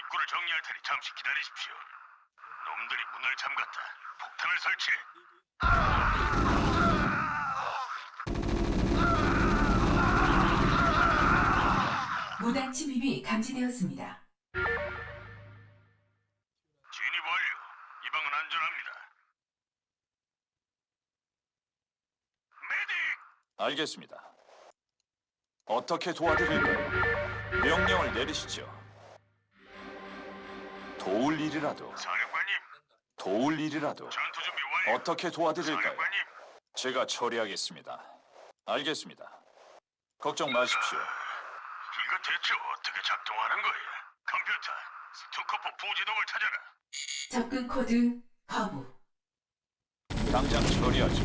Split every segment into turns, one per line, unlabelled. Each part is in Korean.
입구를 정리할 테니 잠시 기다리십시오. 놈들이 문을 잠갔다. 폭탄을 설치해.
무단 침입이 감지되었습니다.
진입 완료. 이 방은 안전합니다. 메딕!
알겠습니다. 어떻게 도와드릴까요? 명령을 내리시죠. 도울 일이라도,
사령관님,
도울 일이라도
전투 준비 완료.
어떻게 도와드릴까요?
사령관님,
제가 처리하겠습니다. 알겠습니다. 걱정 마십시오.
이거 대체 어떻게 작동하는 거야? 컴퓨터, 스투커포 부지동을 찾아라.
접근 코드 거부.
당장 처리하죠.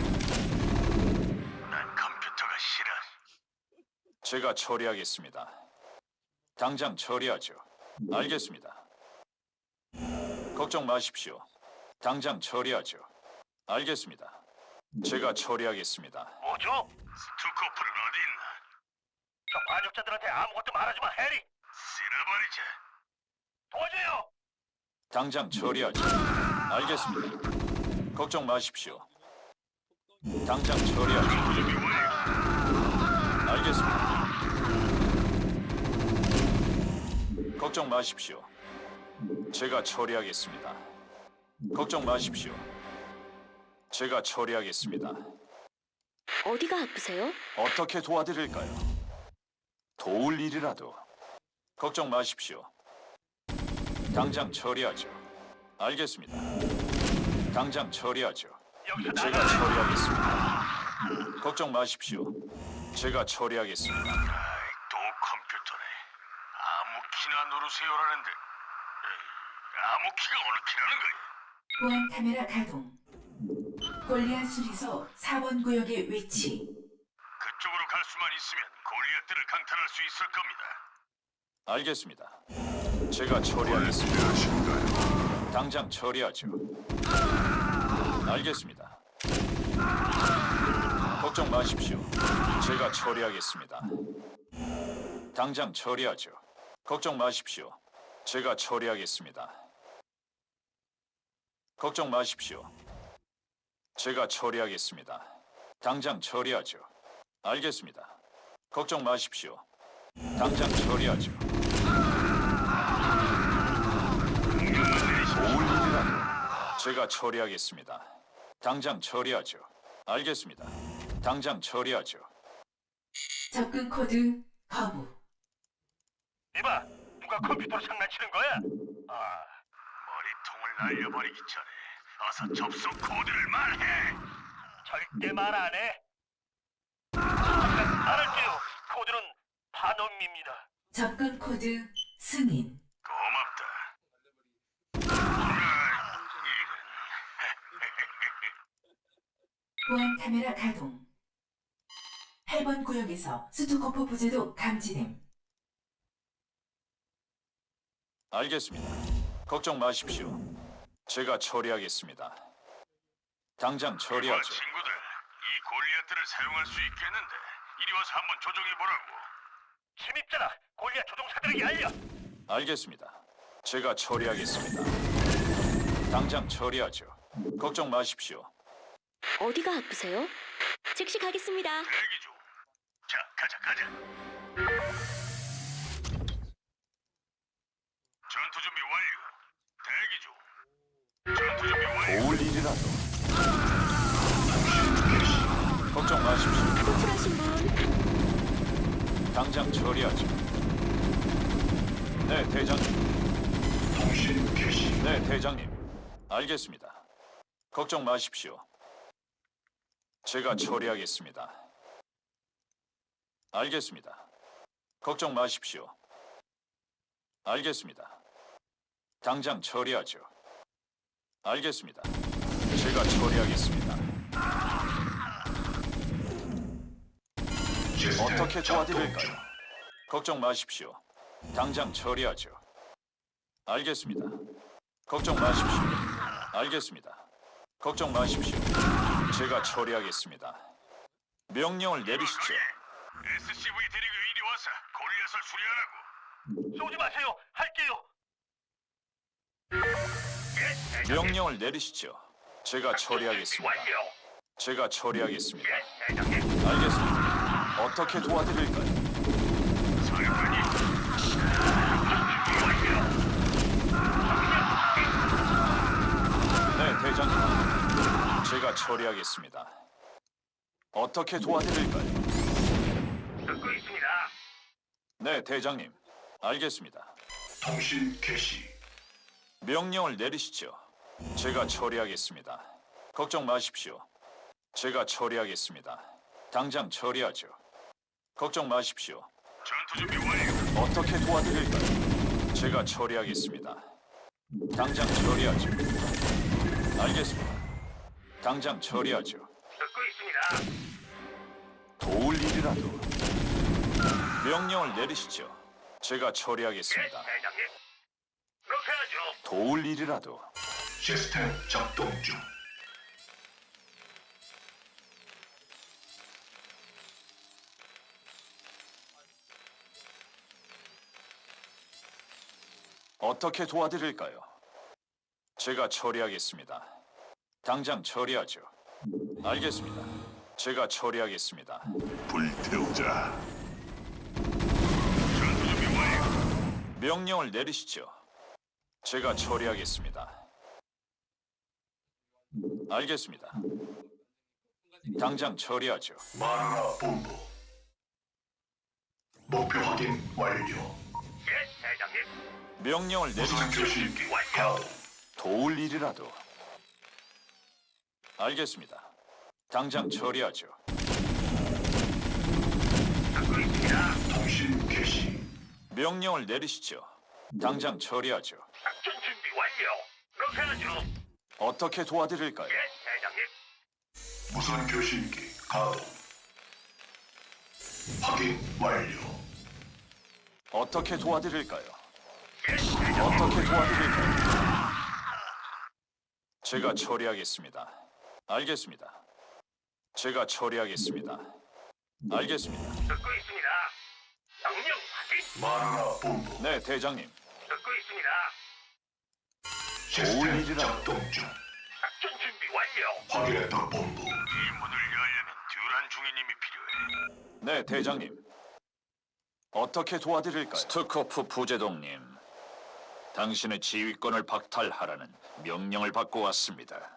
난 컴퓨터가 싫어.
제가 처리하겠습니다. 당장 처리하죠. 알겠습니다. 걱정 마십시오. 당장 처리하죠. 알겠습니다. 제가 처리하겠습니다.
뭐죠? 스투커포는 어디 있나? 저 반역자들한테 아무것도 말하지 마, 해리. 쓸어버리자. 도와줘요.
당장 처리하죠. 알겠습니다. 걱정 마십시오. 당장 처리하죠.
준비 완료.
알겠습니다. 걱정 마십시오. 제가 처리하겠습니다. 걱정 마십시오. 제가 처리하겠습니다.
어디가 아프세요?
어떻게 도와드릴까요? 도울 일이라도. 걱정 마십시오. 당장 처리하죠. 알겠습니다. 당장 처리하죠.
여기서
제가
나가.
처리하겠습니다. 걱정 마십시오. 제가 처리하겠습니다.
아이, 또 컴퓨터네. 아무 키나 누르세요라는데. 에이, 아무 키가 어느 키라는 거야?
보안 카메라 가동. 골리앗 수리소 4번 구역의 위치.
그쪽으로 갈 수만 있으면 골리앗들을 강탈할 수 있을 겁니다.
알겠습니다. 제가 처리하겠습니다. 당장 처리하죠. 알겠습니다. 걱정 마십시오. 제가 처리하겠습니다. 당장 처리하죠. 걱정 마십시오. 제가 처리하겠습니다. 걱정 마십시오. 제가 처리하겠습니다. 당장 처리하죠. 알겠습니다. 걱정 마십시오. 당장 처리하죠. 도울 일이라도 제가 처리하겠습니다. 당장 처리하죠. 알겠습니다. 당장 처리하죠.
접근 코드 거부.
이봐, 누가 컴퓨터로 장난치는 거야? 아, 머리통을 날려버리기 전에 어서 접속 코드를 말해. 절대 말 안 해. 잠깐 말할게요. 코드는 반음입니다.
접근 코드 승인.
고맙다.
보안 카메라 가동. 8번 구역에서 스투코프 부재도 감지됨.
알겠습니다. 걱정 마십시오. 제가 처리하겠습니다. 당장 처리하죠.
친구들, 이 골리앗들을 사용할 수 있겠는데 이리 와서 한번 조종해 보라고. 침입자다. 골리앗 조종사들에게 알려.
알겠습니다. 제가 처리하겠습니다. 당장 처리하죠. 걱정 마십시오.
어디가 아프세요? 즉시 가겠습니다.
대기 중. 자, 가자. 전투 준비 완료. 대기 중. 전투 준비 완료.
도울 일이라도. 걱정 마십시오.
호출하신 분
당장 처리하죠. 네, 대장님. 네, 대장님. 알겠습니다. 걱정 마십시오. 제가 처리하겠습니다. 알겠습니다. 걱정 마십시오. 알겠습니다. 당장 처리하죠. 알겠습니다. 제가 처리하겠습니다. 어떻게 도와드릴까요? 걱정 마십시오. 당장 처리하죠. 알겠습니다. 걱정 마십시오. 알겠습니다. 걱정 마십시오. 제가 처리하겠습니다. 명령을 내리시죠.
SCV 데리고 이리 와서 골리앗을 수리하라고. 쏘지 마세요. 할게요. 예, 대장님.
명령을 내리시죠. 제가 처리하겠습니다.
완료.
제가 처리하겠습니다.
예, 대장님.
알겠습니다. 어떻게 도와드릴까요?
사령관님. 완료.
네, 대장님. 제가 처리하겠습니다. 어떻게 도와드릴까요?
듣고 있습니다.
네, 대장님. 알겠습니다.
통신 개시.
명령을 내리시죠. 제가 처리하겠습니다. 걱정 마십시오. 제가 처리하겠습니다. 당장 처리하죠. 걱정 마십시오.
전투 준비 완료.
어떻게 도와드릴까요? 제가 처리하겠습니다. 당장 처리하죠. 알겠습니다. 당장 처리하죠.
듣고 있습니다.
도울 일이라도 명령을 내리시죠. 제가
예,
처리하겠습니다.
대장님. 그렇게 하죠.
도울 일이라도
시스템 작동 중.
어떻게 도와드릴까요? 제가 처리하겠습니다. 당장 처리하죠. 알겠습니다. 제가 처리하겠습니다.
불태우자.
전투 준비 완료.
명령을 내리시죠. 제가 처리하겠습니다. 알겠습니다. 당장 처리하죠.
마누라 본부. 목표 확인 완료.
예, 대장님.
명령을
무선
내리시죠.
교신기
완료.
가동.
도울 일이라도. 알겠습니다. 당장 처리하죠.
듣고 있습니다.
통신 개시.
명령을 내리시죠. 당장 처리하죠.
작전 준비 완료. 그렇게 하죠.
어떻게 도와드릴까요?
예, 대장님.
무선 교신기 가동. 확인 완료.
어떻게 도와드릴까요?
예, 대장님.
어떻게 도와드릴까요? 제가 처리하겠습니다. 알겠습니다. 제가 처리하겠습니다. 알겠습니다.
듣고 있습니다. 명령 확인.
마누라 본부.
네, 대장님.
듣고 있습니다.
시스템
일이라.
작동 중.
작전 준비 완료.
확인했다 본부.
이 문을 열려면 듀란 중위님이 필요해.
네, 대장님. 어떻게 도와드릴까요? 스투코프 부제동님. 당신의 지휘권을 박탈하라는 명령을 받고 왔습니다.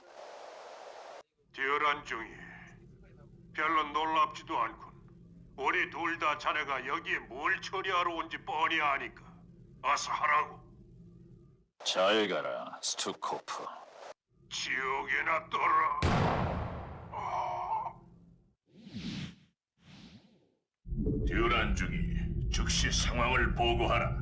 듀란 중이 별로 놀랍지도 않군. 우리 둘 다 자네가 여기에 뭘 처리하러 온지 뻔히 아니까 어서 하라고.
잘 가라, 스투코프.
지옥에나 떠라.
듀란 중위 즉시 상황을 보고하라.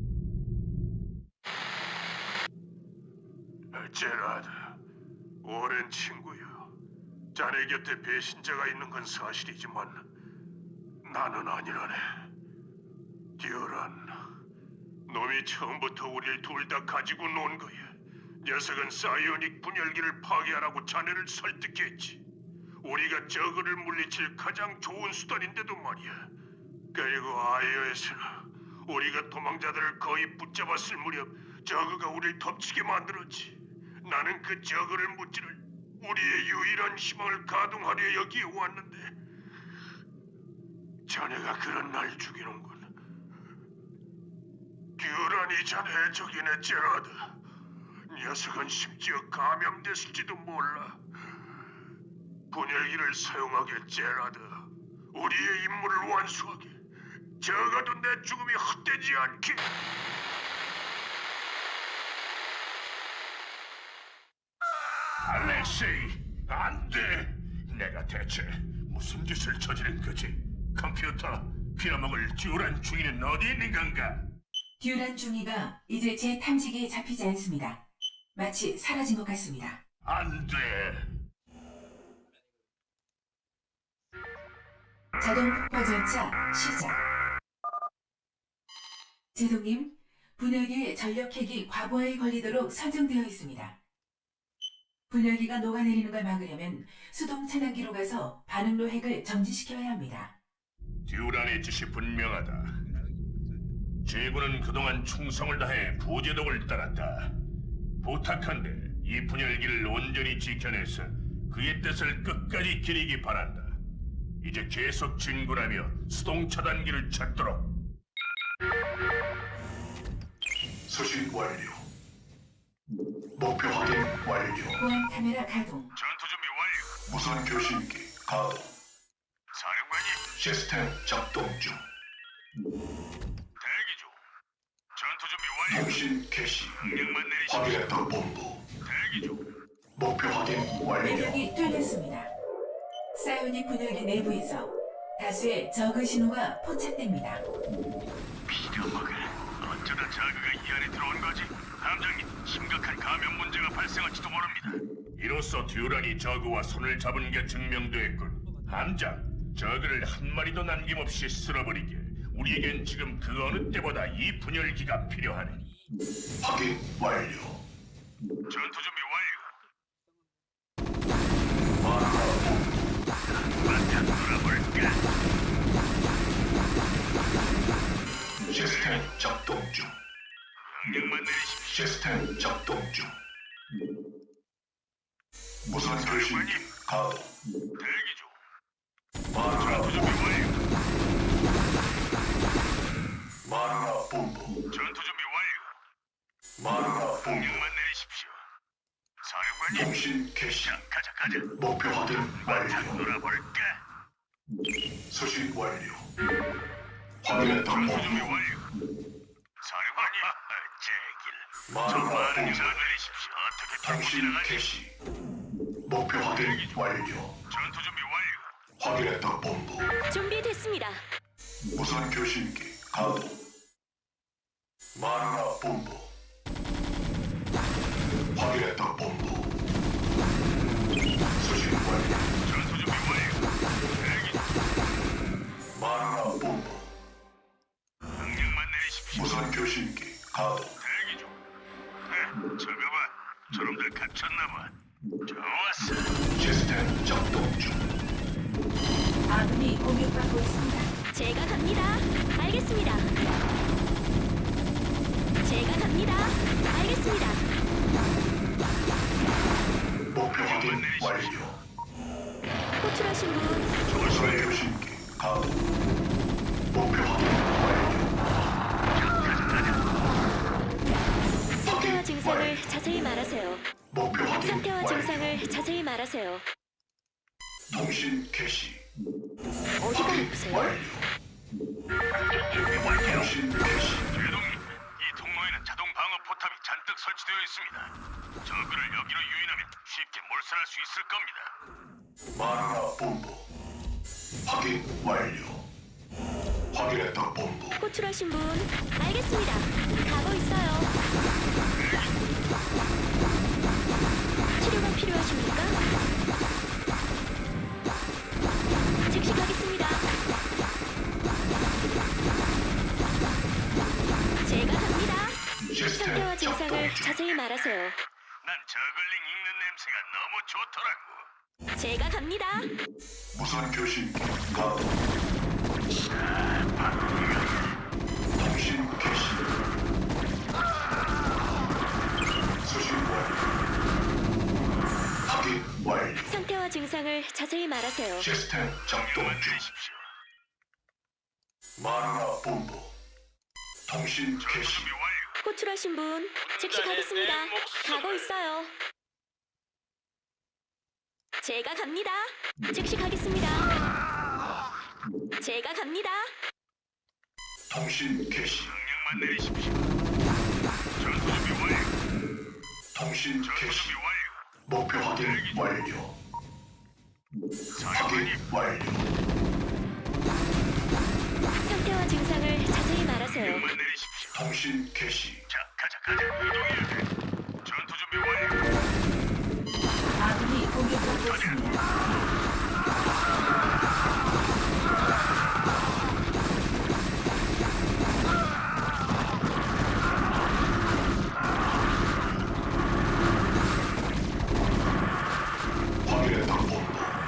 제라드, 오랜 친구야. 자네 곁에 배신자가 있는 건 사실이지만 나는 아니라네. 듀란, 놈이 처음부터 우리를 둘 다 가지고 논 거야. 녀석은 사이오닉 분열기를 파괴하라고 자네를 설득했지. 우리가 저그를 물리칠 가장 좋은 수단인데도 말이야. 그리고 아이오에서는 우리가 도망자들을 거의 붙잡았을 무렵 저그가 우리를 덮치게 만들었지. 나는 그 저그를 무찌를 우리의 유일한 희망을 가동하려 여기에 왔는데 자네가 그런 날 죽이는군. 듀란이 자네의 적이네, 제라드. 녀석은 심지어 감염됐을지도 몰라. 분열기를 사용하게, 제라드. 우리의 임무를 완수하게. 적어도 내 죽음이 헛되지 않게.
알렉세이, 안 돼. 내가 대체 무슨 짓을 저지른 거지? 컴퓨터, 빌어먹을 듀란 중위는 어디 있는 건가?
듀란 중위가 이제 제 탐지기에 잡히지 않습니다. 마치 사라진 것 같습니다.
안 돼.
자동 폭파 절차 시작. 제동님, 분열기의 전력핵이 과부하에 걸리도록 설정되어 있습니다. 분열기가 녹아내리는 걸 막으려면 수동 차단기로 가서 반응로 핵을 정지시켜야 합니다.
듀란의 뜻이 분명하다. 제군은 그동안 충성을 다해 부제독을 따랐다.
부탁한데 이 분열기를 온전히 지켜내서 그의 뜻을 끝까지 기리기 바란다. 이제 계속 진군하며 수동 차단기를 찾도록.
수신 완료. 목표 확인 완료.
보안 카메라 가동.
전투 준비 완료.
무선 교신기 가동.
사령관님,
시스템 작동 중.
대기 중. 전투 준비 완료.
통신 개시.
명령만 내리십시오.
확인했다 본부.
대기 중.
목표 확인 완료.
매력이 뚫렸습니다. 사이오닉 분열기 내부에서 다수의 저그 신호가 포착됩니다.
빌어먹을. 어쩌다 저그가 이 안에 들어온 거지? 함장님, 심각한 감염 문제가 발생할지도 모릅니다.
이로써 듀란이 저그와 손을 잡은 게 증명됐군. 함장, 저그를 한 마리도 남김없이 쓸어버리게. 우리에겐 지금 그 어느 때보다 이 분열기가 필요하네.
확인 완료.
전투 준비 완료. 한바탕 놀아볼까?
시스템 작동 중.
명령만 내리십시오.
시스템 작동 중. 무선 교신기 가동.
대기 중.
마누라
전투 준비 완료.
마누라 본부.
전투 준비 완료.
마누라 본부.
명령만 내리십시오. 사령관님,
통신 개시.
자, 가자.
목표 확인
한바탕
완료.
놀아볼까?
수신 완료. 확인했다
전투 준비
본부.
완료. 사령관님, 제길. 저
마누라
많은
본부.
잘 내리십시오. 어떻게 털고
통신
지나가지?
개시. 목표 확인 완료.
전투 준비 완료.
확인했다 본부.
준비됐습니다.
무선 교신기 가동. 마누라 본부. 확인했다 본부. 수신 완료.
전투 준비 완료. 대기 중.
마누라 본부.
명령만 내리십시오.
무선 교신기 가동.
대기 중. 저거 봐. 저놈들 갇혔나봐. 좋았어.
시스템 작동 중.
아군이 공격받고 있습니다.
제가 갑니다. 알겠습니다. 제가 갑니다. 알겠습니다.
목표 확인 완료.
호출하신 분
무선 교신기 가동. 목표 확인 완료.
상태와 증상을 자세히 말하세요.
목표 확인
상태와
완료.
증상을 자세히 말하세요.
통신 개시.
어디가
확인
아프세요?
완료. 통신 개시.
제동님, 이 통로에는 자동 방어 포탑이 잔뜩 설치되어 있습니다. 저그를 여기로 유인하면 쉽게 몰살할 수 있을 겁니다.
마누라 본부. 확인 완료. 확인했다 본부.
호출하신 분 알겠습니다. 가고 있어요. 치료가 필요하십니까? 즉시 가겠습니다. 제가 갑니다.
시스템
상태와
작동
증상을
중.
자세히 말하세요.
난 저글링 익는 냄새가 너무 좋더라고.
제가 갑니다.
무선 교신기 가동. 통신 개시. 수신 완료. 확인 완료.
상태와 증상을 자세히 말하세요.
시스템 작동
명령만
중.
내리십시오.
마누라 본부. 통신
전투
개시.
준비 완료.
호출하신 분 즉시 가겠습니다. 가고 있어요. 제가 갑니다. 즉시 가겠습니다. 제가 갑니다.
통신 개시.
명령만 내리십시오. 전투 준비 완료.
통신
전투
개시.
준비 완료.
목표 확인 완료. 확인
사령관님,
완료.
상태와 증상을 자세히 말하세요.
명령만 내리십시오.
통신 개시.
자, 가자. 이동해야 돼. 전투 준비 완료.
아군이 공격받고 있습니다.
확인했다 본부.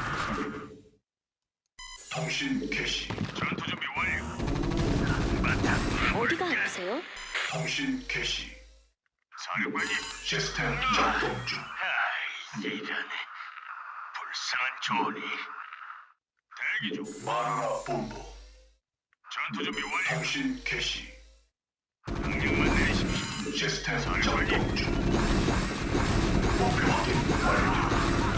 통신 개시.
전투 준비 완료. 한바탕
어디가
놀아볼까?
아프세요?
통신 개시.
사령관님,
시스템 작동 중.
아이, 이런 불쌍한 조언이.
대기 중.
마누라 본부.
전투 준비 완료.
통신 개시.
명령만 내리십시오.
시스템 작동 중. 목표 확인 완료.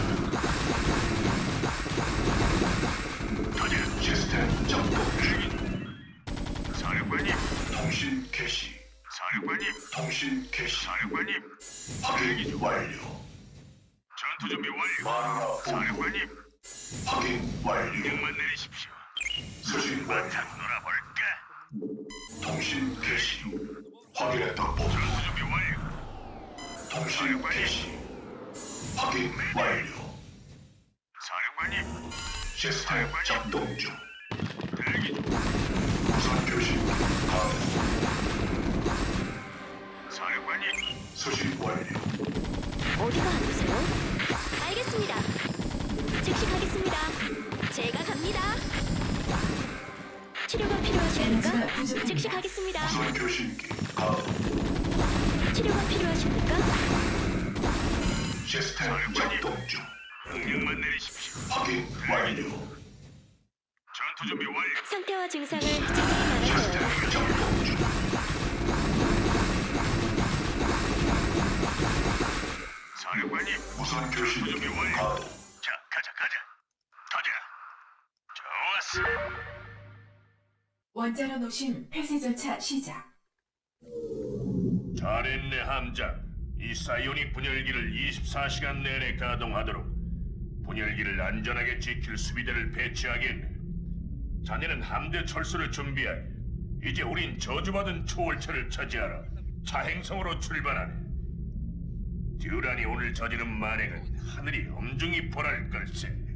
시스템 작동 중.
사령관님,
통신 개시.
사령관님,
통신 개시.
사령관님.
확인 완료.
전투 준비 완료.
마누라 본부.
사령관님,
확인 완료.
명령만 내리십시오.
수신 완료.
바탕 놀아볼까?
통신 개시. 확인했다 본부.
전투 준비 완료.
통신 개시. 확인 완료.
사령관님,
시스템 작동 중.
대기 중.
무선 교신 가동.
사령관님,
수신 완료.
어디가 아프세요? 알겠습니다. 즉시 가겠습니다. 제가 갑니다. 치료가
에너지가
필요하십니까?
부족합니다.
즉시 가겠습니다.
무선 교신기 가동.
치료가 필요하십니까?
시스템 작동 중.
명령만 내리십시오.
확인 완료.
전투 준비 완료.
상태와 증상을 자세히 말하세요.
시스템 작동 중.
사령관님,
무선 교신기
준비 완료.
가동.
자, 가자. 좋았어.
원자로 노심 폐쇄 절차 시작.
잘했네, 함장. 이 사이오닉 분열기를 24시간 내내 가동하도록 분열기를 안전하게 지킬 수비대를 배치하겠네. 자네는 함대 철수를 준비하게. 이제 우린 저주받은 초월체를 차지하러 차행성으로 출발하네. 듀란이 오늘 저지른 만행은 하늘이 엄중히 보랄 걸세.